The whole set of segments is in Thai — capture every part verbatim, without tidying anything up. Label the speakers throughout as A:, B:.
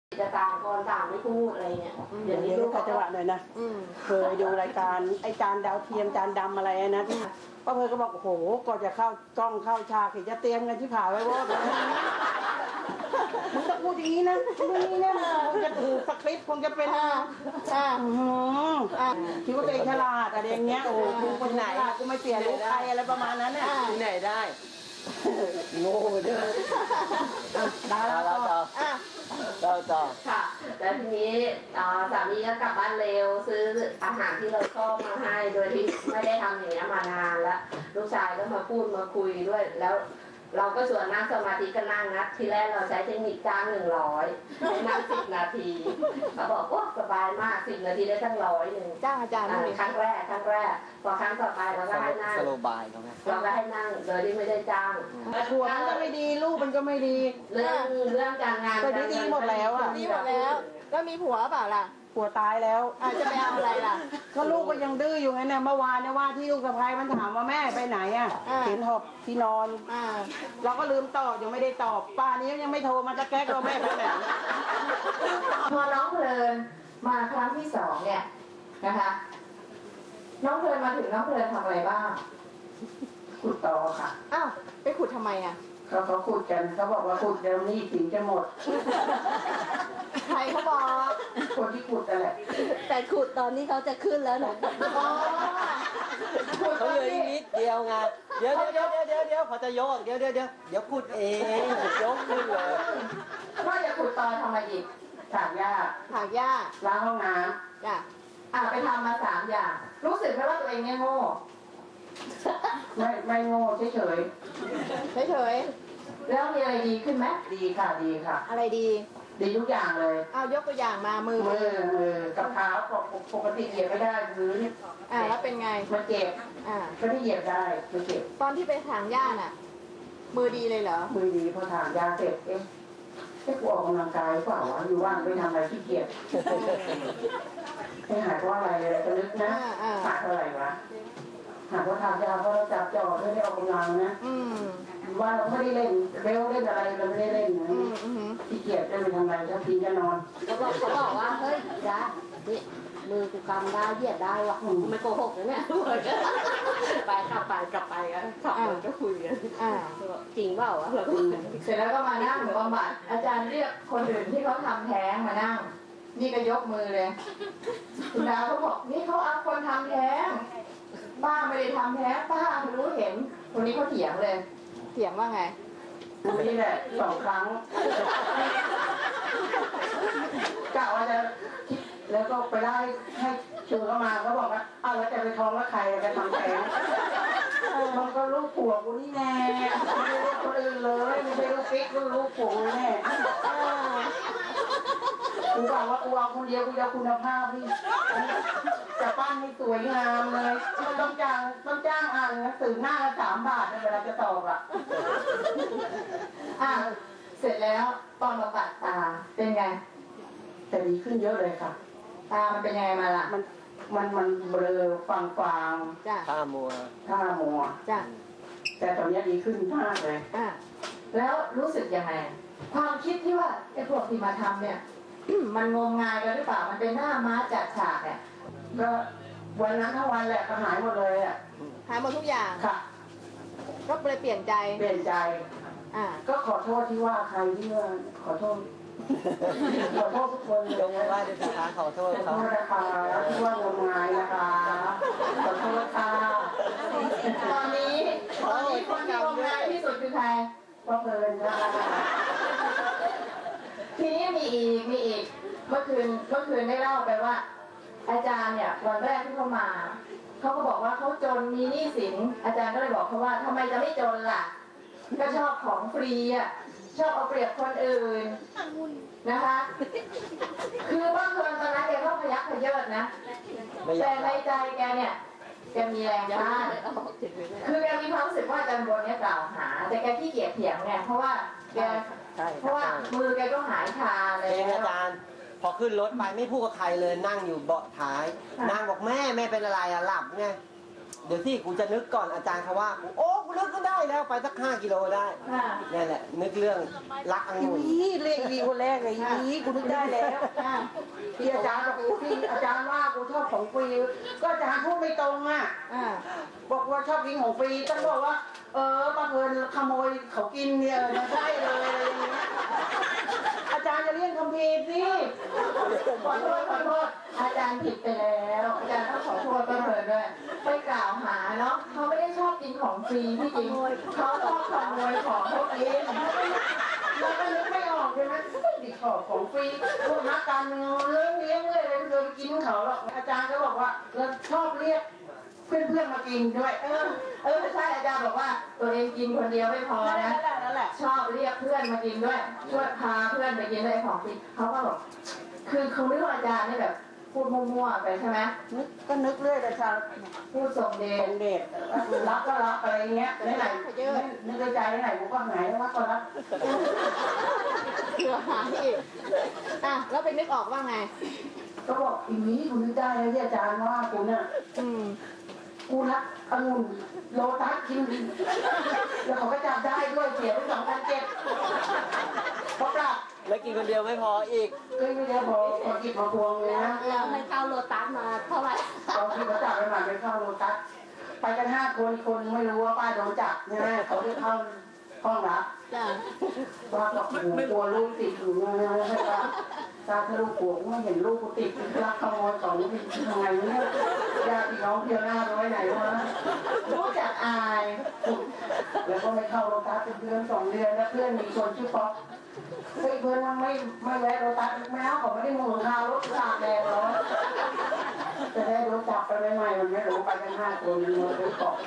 A: จะต่างคนต่างไม่พูดอะไรเงี้ยเดี๋ยวนี้ลูกเขาจังหวะหน่อยนะเคยดูรายการไอจานดาวเทียมจานดำอะไรนะป้าเพยก็บอกโอ้โหก่อนจะเข้ากล้องเข้าฉากเห็นจะเตรียมกันที่ผ่าไว้ว่ามึงต้องพูดอย่างนี้นะมึงนี่นะคงจะถือสคริปต์คงจะเป็นคิดว่าตัวเองฉลาดอะไรอย่างเงี้ยโอ้กูคนไหนกูไม่เสียลูกใครอะไรประมาณนั้นน่ะที่ไหนได้โง่เด้อได้แล้วต่อเราต่อค่ะแล้วทีนี้สามีก็กลับบ้านเร็วซื้ออาหารที่เราชอบมาให้โดยที่ไม่ได้ทำอย่างนี้มานานแล้วลูกชายก็มาพูดมาคุยด้วยแล้วเราก็ชวนนั่งสมาธิก็นั่งนะทีแรกเราใช้เทคนิคจ้างหนึ่งร้อยให้นั่งสิบนาทีเขาบอกว่าสบายมากสิบนาทีได้ตั้งร้อยหนึ่งจ้างอาจารย์ครั้งแรกครั้งแรกพอครั้งต่อไปเราก็ให้นั่งสโลบายเขาไหมเราก็ให้นั่งโดยที่ไม่ได้จ้างผัวมันก็ไม่ดีลูกมันก็ไม่ดีเรื่องเรื่องการงานก็ดีหมดแล้วอ่ะ
B: ดีหมดแล้วก็มีผัวเปล่าล่ะ
A: ผัวตายแล้ว
B: อาจจะไปเอาอะไรล่ะ
A: ก็ลูกก็ยังดื้ออยู่ไงเนี่ยเมื่อวานเนี่ยว่าที่ลูกสะพ้ายมันถามว่าแม่ไปไหนอ่ะเห็นหอบที่นอนเราก็ลืมตอบยังไม่ได้ตอบป้านี้ยังไม่โทรมาจะแก้เราแม่ไปไหน
C: พอน้องเพลินมาครั้งที่สองเนี่ยนะคะน้องเพลินมาถึงน้องเพลินทำอะไรบ้าง
A: ขุดต่อค่ะ
B: อ้าวไปขุดทำไมอ่ะ
A: เขาเขาขุดกันเขาบอกว่าขุดเดี๋ยวนี้ถึงจะหมด
B: ใครเขาบอก
A: คนที่ขุดนั่นแหละ
B: แต่ขุดตอนนี้เขาจะขึ้นแล้วนะ
D: เขาเหลืออีกนิดเดียวไงเดี๋ยวเดี๋ยวเดี๋ยวเดี๋ยวเดี๋ยวเขาจะยกเดี๋ยวเดี๋ยวเดี๋ยวเดี๋ยวขุดเองยกขึ้นเลย
C: ว่าจะขุดตอนทำอะไรอีก
A: ถากหญ้า
B: ถากหญ้า
A: ล้างห้องน้ำ
B: จ้ะ
C: อ่ะไปทำมาสามอย่างรู้สึกไหมว่าตัวเองเนี่ยโง่
A: ไม่ไม่โง่เฉยเฉย
B: เฉย
C: แล้วมีอะไรดีขึ้นไหม
A: ดีค่ะดีค่ะ
B: อะไรดี
A: ดีทุกอย่างเลย
B: เอายกตัวอย่างมามือ
A: มือมือกับเท้าปกติเหยียบไม่ได้พื้น
B: อ่าแล้วเป็นไง
A: มันเจ็บ
B: อ่า
A: ก็ที่เหยียบได้มันเจ็บ
B: ตอนที่ไปถางหญ้าน่ะมือดีเลยเหรอ
A: มือดีพอถางหญ้าเสร็จเอ๊ะแค่กูออกกำลังกายเปล่าวะอยู่ว่างไปทำอะไรขี้เกียจไม่หายเพราะอะไรเลยจะนึกนะหายเพราะอะไรวะหากว่าทำยาเพราะเราจับจ่อไม่ได้ออกกำลังนะว่าเราไม่ได้เล่นเร็วเล่นอะไรเราไม่ได้เล่นนะขี้เกียจจะไปทำอะไรจะกินจะนอน
B: เขาบอกเขาบอกว่าเฮ้ยยานี่มือกูกำได้เหยียดได้วะไม่โกหกนะเนี่ยไปกลับไปกลับไปกันขับรถก็คุยกันจริงเปล่าวะเรา
C: เสร็จแล้วก็มานั่งบำบัดอาจารย์เรียกคนอื่นที่เขาทำแท้งมานั่งนี่ก็ยกมือเลยคุณดาวเขาบอกนี่เขาเอาคนทำแท้งป้าไม่ได้ทำแท้ป้าไม่รู้เห็นคนนี้เขาเถียงเลย
B: เถียงว่าไง
A: นี่แหละสองครั้งกะว่าจะคิดแล้วก็ไปได้ให้ชูเข้ามาเขาบอกว่าอ้าวแล้วจะไปท้องว่าใครจะทำแท้งมันก็ลูกผัวกูนี่แน่ไม่ใช่ลูกคนอื่นเลยไม่ใช่ลูกปิ๊กลูกลูกผัวแน่กูบอกว่ากูเอาคนเดียวกูจะคุณภาพพี่จะปั้นให้สวยงามเลยต้องจ้างต้องจ้างอ่านหนังสือหน้าละสามบาทเวลาจะตอบอ่ะ
C: อ่ะเสร็จแล้วตอนมาปัดตาเป็นไง
A: แต่ดีขึ้นเยอะเลยค่ะ
C: ตามันเป็นยังไงมาล่ะ
A: มันมันมันเบลอฟางฟาง
B: จ้ะ
D: ท่ามัว
A: ท่ามัว
B: จ้ะ
A: แต่ตอนนี้ดีขึ้นมากเลย
B: อ่ะ
C: แล้วรู้สึกยังไงความคิดที่ว่าไอ้พวกที่มาทำเนี่ยมันงมงายกันหรือเปล่ามันเป็นหน้าม้าจัดฉากเนี่ย
A: ก็วันนั้นทั้งวันแหละก็หายหมดเลยอ่ะ
B: หายหมดทุกอย่าง
A: ค่ะ
B: ก็เลยเปลี่ยนใจ
A: เปลี่ยนใจ
B: อ่า
A: ก็ขอโทษที่ว่าใครที่ว่าขอโทษขอโทษทุกคน
D: ยกมือไหว้ด้วยนะคะขอโทษ
A: ขอโทษนะคะที่ว่างมงายนะคะขอโทษค่ะ
C: ตอนนี้ตอนนี้คนที่งมงายที่สุดคือใคร
A: พ่อเพลินค่ะ
C: ทีนี้มีอีกมีอีกเมื่อคืนเมื่อคืนได้เล่าไปว่าอาจารย์เนี่ยวันแรกที่เขามาเขาก็บอกว่าเขาจนมีหนี้สินอาจารย์ก็เลยบอกเขาว่าทำไมจะไม่จนล่ะก็ชอบของฟรีอ่ะชอบเอาเปรียบคนอื่นนะคะคือบางคนตอนนั้นแกก็พยักพยเยิดนะแต่ในใจแกเนี่ยแกมีแรงต้านคือแกมีความรู้สึกว่าอาจารย์บนเนี่ยกล่าวหาแต่แกขี้เกียจเถียงไงเพราะว่าแกเพราะว่ามือแกก็หายชาเลย
D: อาจารย์พอขึ้นรถไปไม่พูดกับใครเลยนั่งอยู่เบาะท้ายนางบอกแม่แม่เป็นอะไรอะหลับไงเดี๋ยวที่กูจะนึกก่อนอาจารย์เขาว่ากูโอ้กูนึกก็ได้แล้วไปสักห้ากิโลได้นี่แหละนึกเรื่องรักองุ่น
A: อีเลขดีคนแรกเลยอีกูนึกได้แล้วที่อาจารย์บอกที่อาจารย์ว่ากูชอบของฟรีก็อาจารย์พูดไม่ตรงอ่ะบอกว่าชอบกินของฟรีต้องบอกว่าเออมาเพลินขโมยเขากินเนี่ยไม่ใช่เลยอะไรอย่างเงี้ยอาจารย์จะเรียกคำพีสิ
C: ขอโทษขอโทษอาจารย์ผิดไปแล้วอาจารย์ต้องขอโทษป้าเพลินด้วยไปกล่าวหาเนาะเขาไม่ได้ชอบกินของฟรีที่จริงเขาชอบขโมยของพวกนี้แล้วก็นึกไม่ออกใช่ไหมไม่ดิของของฟรีพวกนักการเมืองเรื่องเลี้ยงเลยเลยเคยไปกินเขาหรอกอาจารย์ก็บอกว่าเราชอบเรียกเพื่อนๆมากินด้วยเออเออใช่อาจารย์บอกว่าตัวเองกินคนเดียวไม่พอนะชอบเรียกเพื่อนมากินด้วยช่วยพาเพื่อนไปกินด้วยของฟรีเขาก็บอกคือเขาไม่รู้อาจารย์นี่แบบพูดมั่วๆไปใช่ไหม
A: นึกก็นึกเรื่อยแต่ชา
C: พูดส่งเดช
A: เด็กรักก็รักอะไรเงี้ยไหนๆนึกในใจไหนกูก็หายรักก็รัก
B: เผื่อหายอีกอ่ะแล้วไปนึกออกว่าไง
A: ก็บอกอีนี้กูนึกได้แล้วที่อาจารย์ว่ากูเนี่ยกูรักองุ่นโลตัสกินแล้วเขาก็จับได้ด้วยเสียไปสองพันเจ็ดเพราะปรับ
D: แล้วกินคนเดียวไม่พออีก
A: ก็ไม่ได้พอพอกินมาพวงเลยนะ
B: แล้วให้เข้าโลตัสมาเท่าไหร่
A: ตอนที่เขาจับไปหมาไปเข้าโลตัสไปกันห้าคนคนไม่รู้ว่าป้าโดนจับใช่ไหมเขาได้เข้าห้องรับว่ากับหูกลัวลูกติดอยู่นะใช่ปะตาทะลุหัวไม่เห็นลูกกูติดรักขโมยของนี่ทำไงเนี่ยญาติน้องเพียวหน้าไว้ไหนวะรู้จักอายแล้วก็ไม่เข้าโลตัสเป็นเดือนสองเดือนแล้วเพื่อนมีคนชื่อป๊อกเฮ้ยเพื่อนมันไม่ไม่แวะโลตัสแม้เขาไม่ได้มือข้าวรถตากแดดร้อนจะได้รถจับไปใหม่ๆมันไม่รู้ไปกันห้าคนมือไปเกาะ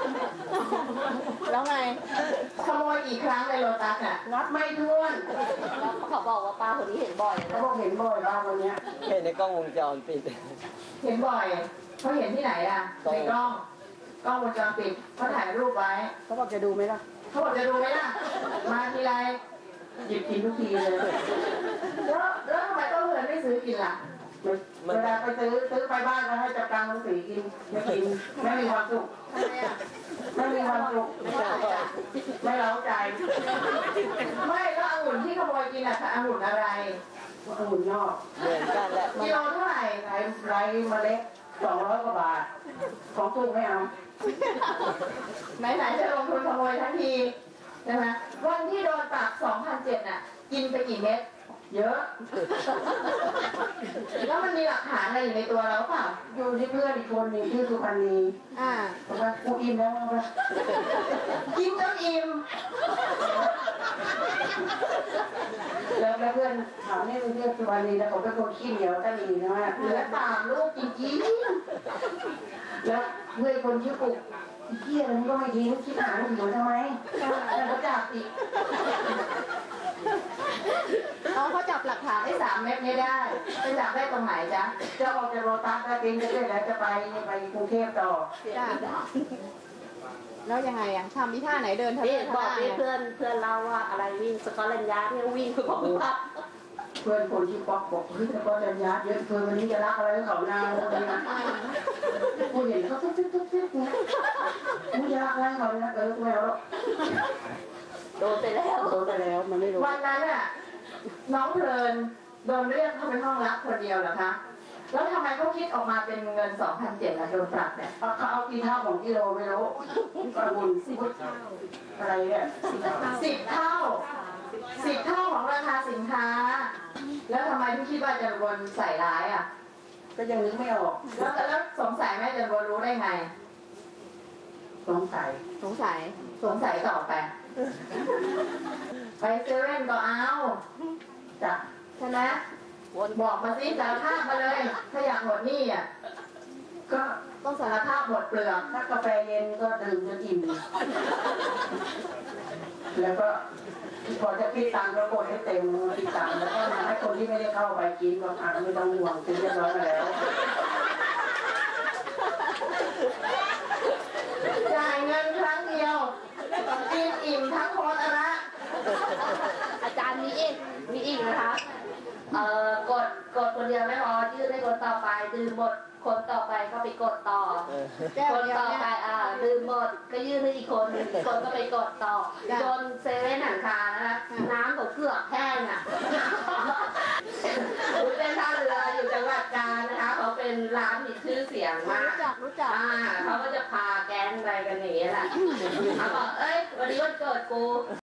B: แล้วไง
C: ขโมยกี่ครั้งในโลตัสอ่ะ
A: นับไม่ถ้วน
B: แล้วเขาบอกว่าป้าคนนี้เห็นบ่อย
A: เขาบอกเห็นบ่อยป้าคนนี้
D: เห็นในกล้องวงจรปิด
C: เห็นบ่อยเขาเห็นที่ไหนอ่ะในกล้องกล้องวงจรปิดเขาถ่ายรูปไว้
A: เขาบอกจะดูไหมล่ะ
C: เขาบอกจะดูไหมล่ะมาทีไรหยิบกินทุกทีเลยแล้วแล้วทำไมต้องเงินไม่ซื้อกินล่ะเวลาไปซื้อซื้อไปบ้านก็ให้จับกลางลงสีกินไม่กินไม่มีความสุขไม่มีความสุขไม่เล้าใจไม่แล้วองุ่นที่ขโมยกินอะองุ่นอะไร
A: องุ่นนอก
D: เหมือนกันแหละ
C: กิโลเท่าไหร่
A: ไรไรเมล็ดสองร้อยกว่าบาทของถูกไม่เอา
C: ไหนๆจะลงทุนขโมยทั้งทีใช่ไหมวันที่โดนปรับสองพันเจ็ดน่ะกินไปกี่เม็ดเยอะแล้วมันมีหลักฐานอะไรอยู่ในตัวเราเปล่า
A: อยู่ที่เพื่อนอีกคนหนึ่งที่สุพรรณีอ่าบอกว่ากูอิ่มแล้วนะ
C: กินจนอิ่ม
A: แล้วเพื่อนถามนี่เป็นเพื่อนสุพรรณีแล้วเขาเป็นคนขี้เหนียวตะลีนะว่า
C: เหลือตามลูกจริง
A: ๆแล้วเพื่อนคนชื่อปุ๊กเที่ยมันก็ไม่ทิ้งคิดหาอยู่ทำไมแล้วเขาจับอีก
C: เขาเขาจับหลักฐานได้สามเม็ดไม่ได้ไปจับได้ตรงไหนจ๊ะ
A: จะออกจากโรตัสได้กินจะได้แล้วจะไปไปกรุงเทพต่อ
B: แล้วยังไงอ่ะทำที่ท่าไหนเดินทางบอกเพื่อนเพื่อนเราว่าอะไรวิ่งสกอตแลนด์ยาร์ดเนี่ยวิ่งคือของพับ
A: เพื่อนคนที่ป๊อกบอกเฮ้ยสกอตแลนด์ยาร์ดเยอะเพื่อนวันนี้จะรักอะไรเขานางเลยนะกูเห็นเขาตุ๊บตุ๊บตุ๊บตุ๊บนะกูจะรักอะไรเขาเนี่ยเออกูแล้ว
B: โดนไปแล้ว
A: โดนไปแล้วมันไม่รู้
C: วันนั้นอ่ะน้องเพลินโดนเรียกเข้าไปห้องรับคนเดียวเหรอคะแล้วทำไมเขาคิดออกมาเป็นเงินสองพันเจ็ดล่ะโดนปรับเนี่ย
A: เขาเอากี่เท่าของกิโลไม่รู้กระบุนสิบเท่าอะไรเนี่ย
C: สิบเท่าสิบเท่าของราคาสินค้าแล้วทำไมพี่คิดว่าจะรวนใส่ร้ายอ่ะ
A: ก็ยังนึกไม่ออก
C: แล้วแล้วสงสัยแม่จะรวนรู้ได้ไง
A: สงสัย
B: สงสัย
C: สงสัยต่อไปไปเซเว่นก็เอาจ้ะใช่ไหมบอกมาสิสารภาพมาเลยถ้าอยากหมดหนี้อ่ะก็ต้องสารภาพหมดเปลือก
A: ถ้ากาแฟเย็นก็ดื่มจนอิ่มแล้วก็พอจะคิดตังค์ก็กดให้เต็มคิดตังค์แล้วก็มาให้คนที่ไม่ได้เข้าไปกินบอกอ่ะไม่ต้องห่วงกินเรียบร้อยมาแล้ว
C: จ่ายเงินครั้งเดียวกินอิ่มทั้งคนละ
B: อาจารย์มีอีกมีอีกนะคะเอ่อกดกดคนเดียวไม่พอยื่นให้คนต่อไปดื่มหมดคนต่อไปก็ไปกดต่อคนต่อไปอ่าดื่มหมดก็ยื่นให้อีกคนคนก็ไปกดต่อจนเซเว่นหนังคานะคะน้ำก็เกือบแห้งอ่ะเป็นท่าเรืออยู่จังหวัดกาญนะคะเขาเป็นร้านมีชื่อเสียงมากรู้จักรู้จักอ่าเขาก็จะพาแก๊งไปกันอย่างนี้แหละเขาบอกเอ้ยวันนี้วันเกิดกู